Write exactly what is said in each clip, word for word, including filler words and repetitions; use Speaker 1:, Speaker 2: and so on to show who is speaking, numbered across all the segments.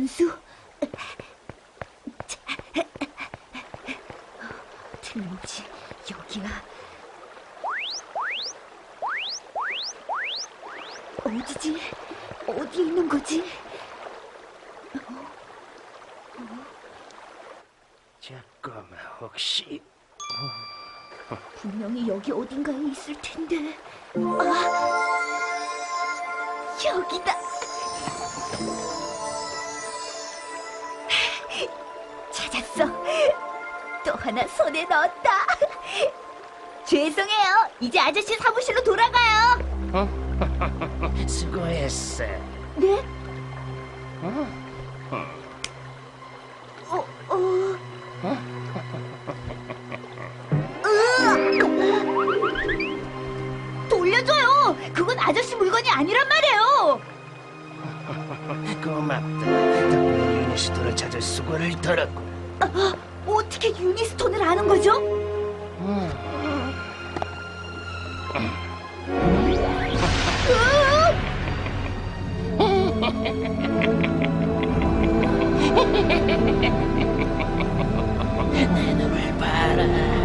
Speaker 1: 분수? 틀림없이 여기야. 어디지? 어디 있는 거지?
Speaker 2: 잠깐만, 혹시
Speaker 1: 분명히 여기 어딘가에 있을 텐데. 아, 여기다. 찾았어. 또 하나 손에 넣었다. 죄송해요. 이제 아저씨 사무실로 돌아가요.
Speaker 2: 수고했어.
Speaker 1: 네?
Speaker 2: 어?
Speaker 1: 어, 어. 으악! 돌려줘요. 그건 아저씨 물건이 아니란 말이에요.
Speaker 2: 고맙다. 덕분에 유니스토를 찾을 수고를 덜었고.
Speaker 1: 아, 어떻게 유니스톤을 아는 거죠?
Speaker 2: 내 눈을 봐라.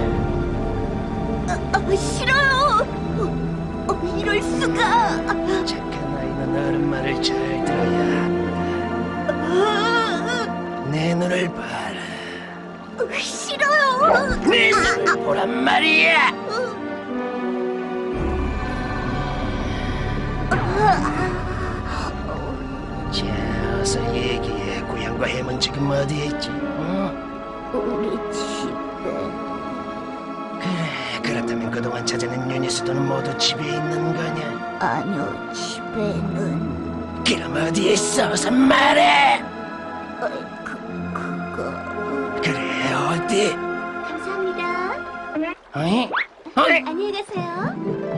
Speaker 1: 아, 아, 싫어요. 어, 어, 이럴 수가.
Speaker 2: 착한 아이는 어른 말을 잘 들어야 한다.
Speaker 1: 아,
Speaker 2: 내 눈을 봐라.
Speaker 1: 아, 싫어요.
Speaker 2: 내 눈을 보란 말이야. 자, 어서 얘기해. 고향과 햄은 지금 어디에 있지? 어?
Speaker 1: 우리 집에.
Speaker 2: 그래, 그렇다면 그동안 찾아낸 유니스토는 모두 집에 있는 거냐?
Speaker 1: 아니요, 집에는.
Speaker 2: 그럼 어디에 있어? 어서 말해!
Speaker 1: 어, 그, 그거.
Speaker 2: 그래, 어디?
Speaker 1: 감사합니다.
Speaker 2: 어이? 어이?
Speaker 1: 안녕히 가세요.